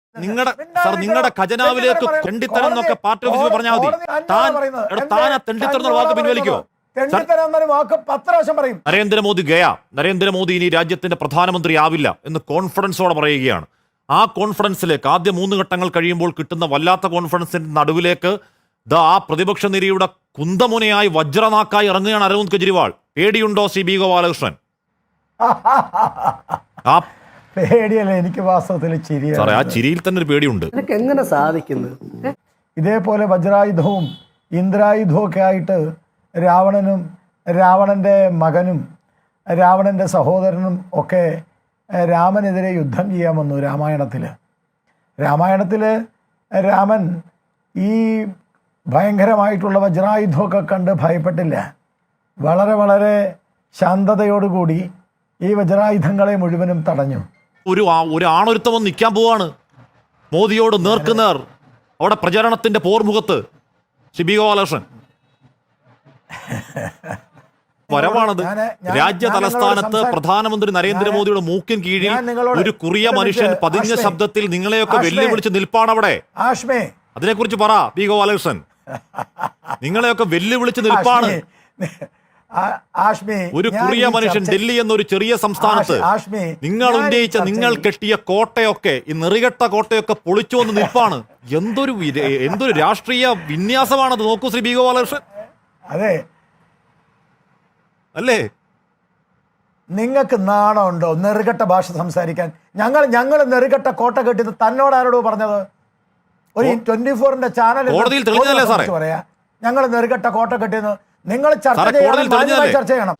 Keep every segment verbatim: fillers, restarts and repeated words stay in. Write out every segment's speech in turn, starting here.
നിങ്ങളുടെ സാർ നിങ്ങളുടെ ഖജനാവിലേക്ക് തെണ്ടിത്തരം എന്നൊക്കെ പാർട്ടി ഓഫീസിൽ പറഞ്ഞാൽ മതി. താൻ താൻ ആ തെണ്ടിത്തരം എന്ന വാക്ക് പിൻവലിക്കോ? നരേന്ദ്രമോദി ഗയ നരേന്ദ്രമോദി ഇനി രാജ്യത്തിന്റെ പ്രധാനമന്ത്രി ആവില്ല എന്ന് കോൺഫിഡൻസോടെ പറയുകയാണ്. ആ കോൺഫിഡൻസിലേക്ക് ആദ്യ മൂന്ന് ഘട്ടങ്ങൾ കഴിയുമ്പോൾ കിട്ടുന്ന വല്ലാത്ത കോൺഫിഡൻസിന്റെ നടുവിലേക്ക് ദാ ആ പ്രതിപക്ഷ നിരയുടെ കുന്തമുനയായി വജ്രനാക്കായി ഇറങ്ങുകയാണ് അരവിന്ദ് കെജ്രിവാൾ. പേടിയുണ്ടോ സി ബി ഗോപാലകൃഷ്ണൻ? ആ പേടിയല്ല, എനിക്ക് വാസ്തവത്തിൽ ചിരി. സാറേ ആ ചിരിയിൽ തന്നെ ഒരു പേടിയുണ്ട്. എങ്ങനെ സാധിക്കുന്നത്? ഇതേപോലെ വജ്രായുധവും ഇന്ദ്രായുധവും ഒക്കെ ആയിട്ട് രാവണനും രാവണന്റെ മകനും രാവണന്റെ സഹോദരനും ഒക്കെ രാമനെതിരെ യുദ്ധം ചെയ്യാൻ വന്നു. രാമായണത്തിൽ രാമായണത്തിൽ രാമൻ ഈ ഭയങ്കരമായിട്ടുള്ള വജ്രായുധമൊക്കെ കണ്ട് ഭയപ്പെട്ടില്ല. വളരെ വളരെ ശാന്തതയോടുകൂടി ഈ വജ്രായുധങ്ങളെ മുഴുവനും തടഞ്ഞു. ഒരു ഒരു ആണൊരുത്തം നിൽക്കാൻ പോവാണ് മോദിയോട് നേർക്കുനേർ അവിടെ പ്രചരണത്തിന്റെ പോർമുഖത്ത്. സി ബി ഗോപാലകൃഷ്ണൻ വരവാണത്. രാജ്യ തലസ്ഥാനത്ത് പ്രധാനമന്ത്രി നരേന്ദ്രമോദിയുടെ മൂക്കിൻ കീഴിൽ ഒരു കുറിയ മനുഷ്യൻ പതിഞ്ഞ ശബ്ദത്തിൽ നിങ്ങളെയൊക്കെ വെല്ലുവിളിച്ച് നിൽപ്പാണ് അവിടെ. അതിനെക്കുറിച്ച് പറ ബി ഗോപാലകൃഷ്ണൻ. നിങ്ങളെയൊക്കെ വെല്ലുവിളിച്ച് നിൽപ്പാണ് ഒരു കുറിയ മനുഷ്യൻ. ഡൽഹി എന്നൊരു ചെറിയ സംസ്ഥാനത്ത് നിങ്ങൾ ഉന്നയിച്ച നിങ്ങൾ കെട്ടിയ കോട്ടയൊക്കെ ഈ നെറികെട്ട കോട്ടയൊക്കെ പൊളിച്ചു വന്ന് നിൽപ്പാണ്. എന്തൊരു എന്തൊരു രാഷ്ട്രീയ വിന്യാസമാണത്. നോക്കൂ ശ്രീ ബി ഗോപാലകൃഷ്ണൻ. അതെ അല്ലേ? നിങ്ങൾക്ക് നാണമുണ്ടോ നെറുകെട്ട ഭാഷ സംസാരിക്കാൻ? ഞങ്ങൾ ഞങ്ങൾ നെറുകെട്ട കോട്ട കെട്ടിയത് തന്നോട് ആരോടോ പറഞ്ഞത്? ഒരു ട്വന്റി ഫോറിന്റെ ചാനൽ കോടതിയിൽ തെളിഞ്ഞതല്ലേ സാറേ പറയാ ഞങ്ങൾ നെറുകെട്ട കോട്ട കെട്ടിയെന്ന്? നിങ്ങൾ ചർച്ച ചെയ്യണം, ചർച്ച ചെയ്യണം.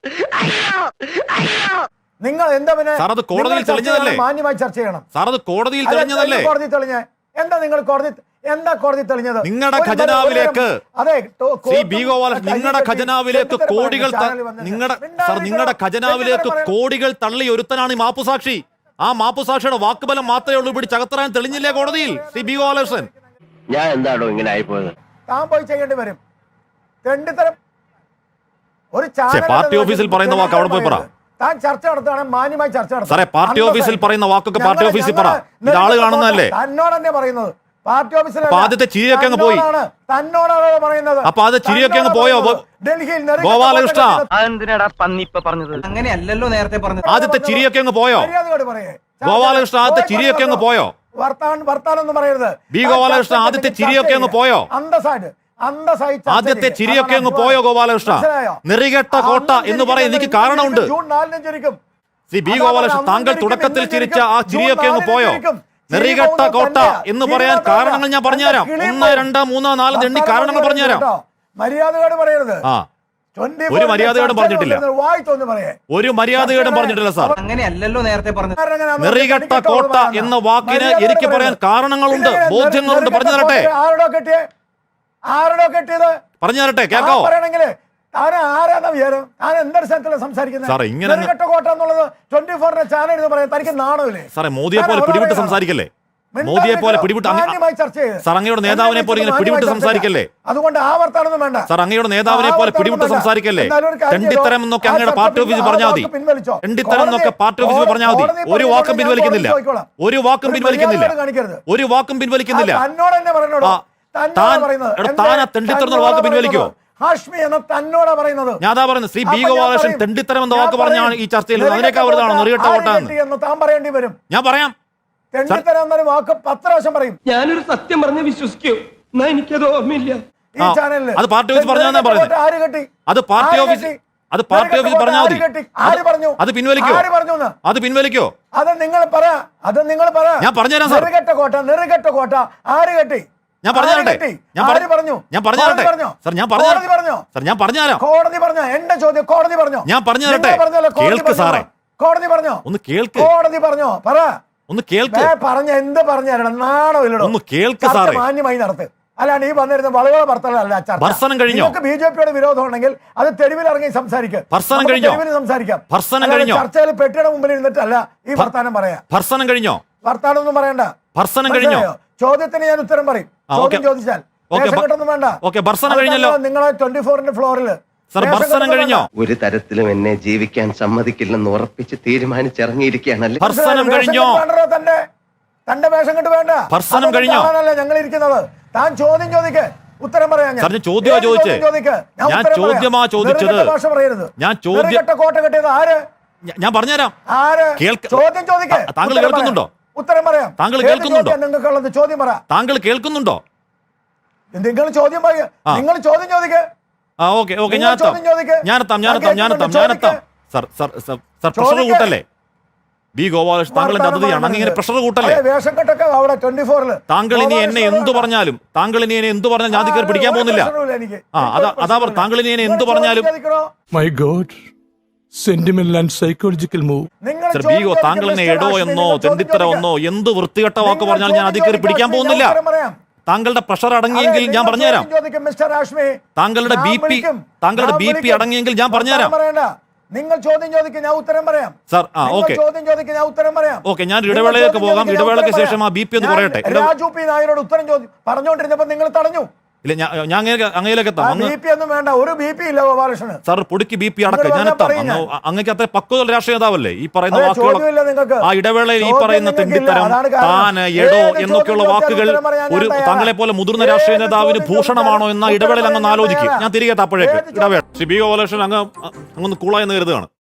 നിങ്ങൾ എന്താ പിന്നെ മാന്യമായി ചർച്ച ചെയ്യണം. കോടതിയിൽ തെളിഞ്ഞതല്ലേ? കോടതി തെളിഞ്ഞ എന്താ? നിങ്ങൾ കോടതി എന്താ കോടതി തെളിഞ്ഞത്? നിങ്ങളുടെ ഖജനാവിലേക്ക് നിങ്ങളുടെ ഖജനാവിലേക്ക് കോടികൾ നിങ്ങളുടെ സാർ നിങ്ങളുടെ ഖജനാവിലേക്ക് കോടികൾ തള്ളി ഒരുത്തനാണ് ഈ മാപ്പുസാക്ഷി. ആ മാപ്പുസാക്ഷിയുടെ വാക്കുബലം മാത്രമേ ഉള്ളൂ ഇവിടെ ചകത്തറാൻ തെളിഞ്ഞില്ലേ കോടതിയിൽ? സി ബി ഗോപാലകൃഷ്ണൻ ഞാൻ എന്താണോ ഇങ്ങനെ ആയിപ്പോയത്? താൻ പോയി ചെയ്യേണ്ടി വരും. തെണ്ടിത്തരം ഒരു പാർട്ടി ഓഫീസിൽ പറയുന്ന വാക്ക് അവിടെ പോയി പറ. താൻ ചർച്ച നടത്തുകയാണ്, മാന്യമായി ചർച്ച നടത്തുക. സാറേ പാർട്ടി ഓഫീസിൽ പറയുന്ന വാക്കൊക്കെ പാർട്ടി ഓഫീസിൽ പറ. ഇത് ആള് കാണുന്നതല്ലേ? തന്നോട് തന്നെ പറയുന്നത്. പാർട്ടി ഓഫീസിൽ ആദ്യത്തെ ചിരിയൊക്കെ അങ്ങ് പോയി. തന്നോടാണ് പറയുന്നത്. അപ്പൊ അത് ചിരിയൊക്കെ അങ്ങ് പോയോ ഡൽഹിയിൽ ഗോപാലകൃഷ്ണ? അങ്ങനെയല്ലല്ലോ നേരത്തെ പറഞ്ഞത്. ആദ്യത്തെ ചിരിയൊക്കെ അങ്ങ് പോയോ ഗോപാലകൃഷ്ണ? ആദ്യത്തെ ചിരിയൊക്കെ അങ്ങ് പോയോ? വർത്താനം വർത്താനൊന്നും പറയരുത് ബി ഗോപാലകൃഷ്ണ. ആദ്യത്തെ ചിരിയൊക്കെ അങ്ങ് പോയോ? അന്തസ്സായിട്ട് ആദ്യത്തെ ചിരിയൊക്കെ അങ്ങ് പോയോ ഗോപാലകൃഷ്ണ? നെറികെട്ട കോട്ട എന്ന് പറയാൻ എനിക്ക് കാരണമുണ്ട്. ശ്രീ ബി ഗോപാലകൃഷ്ണൻ താങ്കൾ തുടക്കത്തിൽ ചിരിച്ച ആ ചിരിയൊക്കെ അങ്ങ് പോയോ? നെറികെട്ട കോട്ട എന്ന് പറയാൻ കാരണങ്ങൾ ഞാൻ പറഞ്ഞുതരാം. ഒന്ന് രണ്ട് മൂന്ന് നാല് എണ്ണി കാരണങ്ങൾ പറഞ്ഞുതരാം. മര്യാദയോട് പറയരുത്. ആ ഒരു മര്യാദയോടും പറഞ്ഞിട്ടില്ല. ഒരു മര്യാദയോടും പറഞ്ഞിട്ടില്ല സാർ. അങ്ങനെയല്ലല്ലോ നേരത്തെ പറഞ്ഞത്. നെറികെട്ട കോട്ട എന്ന വാക്കിന് എനിക്ക് പറയാൻ കാരണങ്ങളുണ്ട്, ബോധ്യങ്ങളുണ്ട്. പറഞ്ഞു തരട്ടെ ആരോടോ കെട്ടിയത് പറഞ്ഞു തരട്ടെ കേൾക്കാവോ? പറയണെങ്കില് താൻ ആരാന്ന വിചാരം? താൻ എന്തൊരു സ്ഥലത്തിലാണ് സംസാരിക്കുന്നത്? കോട്ട എന്നുള്ളത് ട്വന്റി ഫോറിന്റെ ചാനൽ എന്ന് പറയാൻ തനിക്ക് നാണമില്ലേ? സാറേ മോദിയെ പോലെ പിടിവിട്ട് സംസാരിക്കല്ലേ? മോദിയെ പോലെ പിടിവിട്ട് സാർ അങ്ങയുടെ നേതാവിനെ പോലെ ഇങ്ങനെ പിടിവിട്ട് സംസാരിക്കല്ലേ? അതുകൊണ്ട് ആവർത്താനൊന്നും വേണ്ട സാർ. അങ്ങയുടെ നേതാവിനെ പോലെ പിടിവിട്ട് സംസാരിക്കല്ലേ? തെണ്ടിത്തരം എന്നൊക്കെ അങ്ങയുടെ പാർട്ടി ഓഫീസിൽ പറഞ്ഞാൽ മതി. തെണ്ടിത്തരം എന്നൊക്കെ പാർട്ടി ഓഫീസിൽ പറഞ്ഞാൽ മതി. ഒരു വാക്കും പിൻവലിക്കുന്നില്ല. ഒരു വാക്കും പിൻവലിക്കുന്നില്ല. ഒരു വാക്കും പിൻവലിക്കുന്നില്ല. തന്നോട് തന്നെ പറഞ്ഞോളൂ. തെണ്ടിത്തരം എന്ന വാക്ക് പിൻവലിക്കോ? ഞാൻ പറയുന്നത് ശ്രീ ബി ഗോപാലകൃഷ്ണൻ തെണ്ടിത്തരം എന്ന വാക്ക് പറഞ്ഞാണ് ഈ ചർച്ചയിൽ. അതിനേക്കാൾ വലുതാണോ നെറികെട്ട കോട്ട എന്ന് താൻ പറയേണ്ടി വരും. ഞാൻ പറയാം. തെണ്ടിത്തരം എന്നൊരു വാക്ക് പത്ത് പ്രാവശ്യം പറയും. ഞാനൊരു സത്യം പറഞ്ഞ് വിശ്വസിക്കൂ. എനിക്കത് ഓർമ്മയില്ല. ഈ ചാനലിൽ അത് പാർട്ടി ഓഫീസ് പറഞ്ഞാൽ പറയുന്നത്. ആര് കെട്ടി? അത് പാർട്ടി ഓഫീസ് അത് പാർട്ടി ഓഫീസ് പറഞ്ഞാൽ മതി. ആര് പറഞ്ഞു? അത് പിൻവലിക്കോ? ആര് പറഞ്ഞു? അത് പിൻവലിക്കോ? അത് നിങ്ങൾ പറ. അത് നിങ്ങൾ പറ. ഞാൻ പറഞ്ഞുതരാം സാർ. നെറികെട്ട കോട്ട നെറികെട്ട കോട്ട ആര് കെട്ടി? ഞാൻ പറഞ്ഞു തരട്ടെ. ഞാൻ പറഞ്ഞു ഞാൻ പറഞ്ഞു തരട്ടെ സാർ. ഞാൻ പറഞ്ഞു സാർ. ഞാൻ പറഞ്ഞു തരാം. കോടതി പറഞ്ഞോ? എന്റെ ചോദ്യം കോടതി പറഞ്ഞോ? ഞാൻ പറഞ്ഞു തരട്ടെ. കേൾക്ക് സാറേ. കോടതി പറഞ്ഞോ? ഒന്ന് കേൾക്ക്. കോടതി പറഞ്ഞോ? പറ. ഒന്ന് കേൾക്ക്. പറഞ്ഞ എന്ത് പറഞ്ഞു തരണം? നാണോ ഇല്ലടോ? ഒന്ന് കേൾക്ക് സാറേ. മാന്യമായി നടത്ത്. അല്ലാണ്ട് ഈ വന്നിരുന്ന വളരെ ഭർത്തലല്ല. ഭർസനം കഴിഞ്ഞോ? ബി ജെ പിയുടെ വിരോധം ഉണ്ടെങ്കിൽ അത് തെരുവിൽ ഇറങ്ങി സംസാരിക്കാം. ഭർസനം കഴിഞ്ഞോ? സംസാരിക്കാം. ഭർസനം കഴിഞ്ഞോ? ചർച്ചയിൽ പെട്ടിയുടെ മുമ്പിൽ ഇരുന്നിട്ടല്ല ഈ വർത്താനം പറയാ. ഭർസനം കഴിഞ്ഞോ? വർത്താനം ഒന്നും പറയണ്ട. ഭർസനം കഴിഞ്ഞോ? ചോദ്യത്തിന് ഞാൻ ഉത്തരം പറയും. ചോദ്യം ചോദിച്ചാൽ വേണ്ട. നിങ്ങളെ ട്വന്റി ഫോറിന്റെ ഫ്ലോറിൽ ഭർസനം കഴിഞ്ഞോ? ഒരു തരത്തിലും എന്നെ ജീവിക്കാൻ സമ്മതിക്കില്ലെന്ന് ഉറപ്പിച്ച് തീരുമാനിച്ചിറങ്ങിയിരിക്കുകയാണല്ലേ. ഭർസനം കഴിഞ്ഞോ? തന്നെ തന്റെ വേഷം കെട്ട് വേണ്ട. ഭർസനം അതൊന്നും കഴിഞ്ഞോ? കാണാനല്ല ഞങ്ങൾ ഇരിക്കുന്നത്. താൻ ചോദ്യം ചോദിക്ക്, ഉത്തരം പറയാം ഞാൻ. സാർ, ഞാൻ ചോദ്യമാ ഏത് ചോദിച്ചേ? ചോദ്യം ചോദിക്ക്, ഞാൻ ഞാൻ ഉത്തരം പറയാം. ചോദ്യമാ ചോദിച്ചത്. നെറുകെട്ട ഭാഷ പറയരുത്. ഞാൻ ചോദ്യം- നെറുകെട്ട കോട്ട കെട്ടിയത് ആര്? ഞ- ഞാൻ പറഞ്ഞുതരാം. ആര്? കേൾക്ക- ചോദ്യം ചോദിക്ക്, താ- താങ്കൾ ഉത്തരം കേൾക്കുന്നുണ്ടോ? പറയാം. ഉത്തരം പറയാം. താങ്കൾ ഏത് കേൾക്കുന്നുണ്ടോ? ചോദ്യം നിങ്ങൾക്കുള്ളത്? ചോദ്യം പറ. താങ്കൾ കേൾക്കുന്നുണ്ടോ? നിങ്ങൾ ചോദ്യം പറയുക. ആ. നിങ്ങൾ ചോദ്യം ചോദിക്ക്. ആ ഓക്കെ ഓക്കെ നിങ്ങൾ ഞാൻ എത്താം ചോദ്യം ചോദിക്ക്. ഞാനെത്താം ഞാൻ ഞാനെത്താം ഞാനെത്താം കേൾക്കുന്നുണ്ട്. ഞാനെത്താം ചോദിക്ക്. Sir sir sir sir pressure ചോദിക്ക്. കൂട്ടല്ലേ? ബി ഗോപാലകൃഷ്ണൻ താങ്കളുടെ വർത്തമാനം അതിഥിയാണ്, അങ്ങനെ പറയുന്നത്. പ്രഷർ കൂട്ടല്ലേ? അതെ, വേഷം കെട്ടൊക്കെ അവിടെ ട്വന്റി ഫോറിൽ താങ്കൾ ഇനി എന്നെ എന്തു പറഞ്ഞാലും താങ്കൾ ഇനി എന്നെ എന്തു പറഞ്ഞാലും ഞാൻ കയറി പിടിക്കാൻ പോകുന്നില്ല. ആ അതാ അതാ പറ താങ്കൾ ഇനി എന്നെ എന്തു പറഞ്ഞാലും My God, sentimental and psychological move. Sir ബീഗോ താങ്കൾ എന്നെ എടോ എന്നോ തെണ്ടിത്തര എന്നോ എന്ത് വൃത്തികെട്ട വാക്ക് പറഞ്ഞാൽ ഞാൻ അതിൽ കയറി പിടിക്കാൻ പോകുന്നില്ല. താങ്കളുടെ പ്രഷർ അടങ്ങിയെങ്കിൽ ഞാൻ പറഞ്ഞുതരാം. താങ്കളുടെ ബി പി താങ്കളുടെ ബി പി അടങ്ങിയെങ്കിൽ ഞാൻ പറഞ്ഞുതരാം. നിങ്ങൾ ചോദ്യം ചോദിക്കുക, ഞാൻ ഉത്തരം പറയാം. സർ ആ നിങ്ങൾ ഓക്കെ ചോദ്യം ചോദിക്കുക, ഞാൻ ഉത്തരം പറയാം. ഓക്കെ ഞാൻ നിങ്ങൾ ഇടവേളയിലേക്ക് ചോദ്യം പോകാം. ചോദിക്കുക, ഞാൻ ഇടവേളയ്ക്ക് ഉത്തരം ശേഷം ആ ബി പി ഒന്ന് പറയാം. കുറയട്ടെ. ഞാൻ രാജു പി നായരോട് ഉത്തരം ചോദ്യം പറഞ്ഞുകൊണ്ടിരുന്നപ്പോൾ നിങ്ങൾ തടഞ്ഞു. ഇല്ല ഞാൻ ഞാൻ അങ്ങനെ അങ്ങയിലേക്ക് എത്താം. അങ്ങ് ബി പി ഒന്നും വേണ്ട, ഒരു ബി പി ഇല്ല ഗോപാലകൃഷ്ണന്. സാർ പൊടിക്ക് ബി പി അടക്കം നിങ്ങൾ ഞാൻ പറഞ്ഞാൽ എത്താം. പറയും അങ്ങ് അങ്ങക്ക് അത്ര പക്വത രാഷ്ട്രീയ നേതാവല്ലേ? ഈ പറയുന്ന അതെ, വാക്കുകൾ ചോദ്യമില്ല നിങ്ങൾക്ക്. ആ ഇടവേളയിൽ ഈ ചോദ്യം പറയുന്ന നിങ്ങൾക്കില്ല. തെണ്ടിത്തരം അതാണ് കാരണം. താന് എടോ ഏത് എന്നൊക്കെയുള്ള ചോദ്യം വാക്കുകൾ ചോദിച്ചാലും ഉത്തരം പറയാൻ ഒരു ഞാൻ താങ്കളെ പോലെ മുതിർന്ന ഏത് രാഷ്ട്രീയ നേതാവിന് ചോദ്യം ഭൂഷണമാണോ എന്ന ചോദിച്ചാലും ഇടവേളയിൽ അങ്ങ് ഉത്തരം ആലോചിക്കും. പറയാൻ ഞാൻ തിരികെ എത്താം. അപ്പോഴേക്ക് ഏത് ഇടവേള ശ്രീ ബി ഗോപാലകൃഷ്ണൻ അങ്ങ് അങ്ങൊന്ന് കൂളായെന്ന് കരുതുകയാണ്.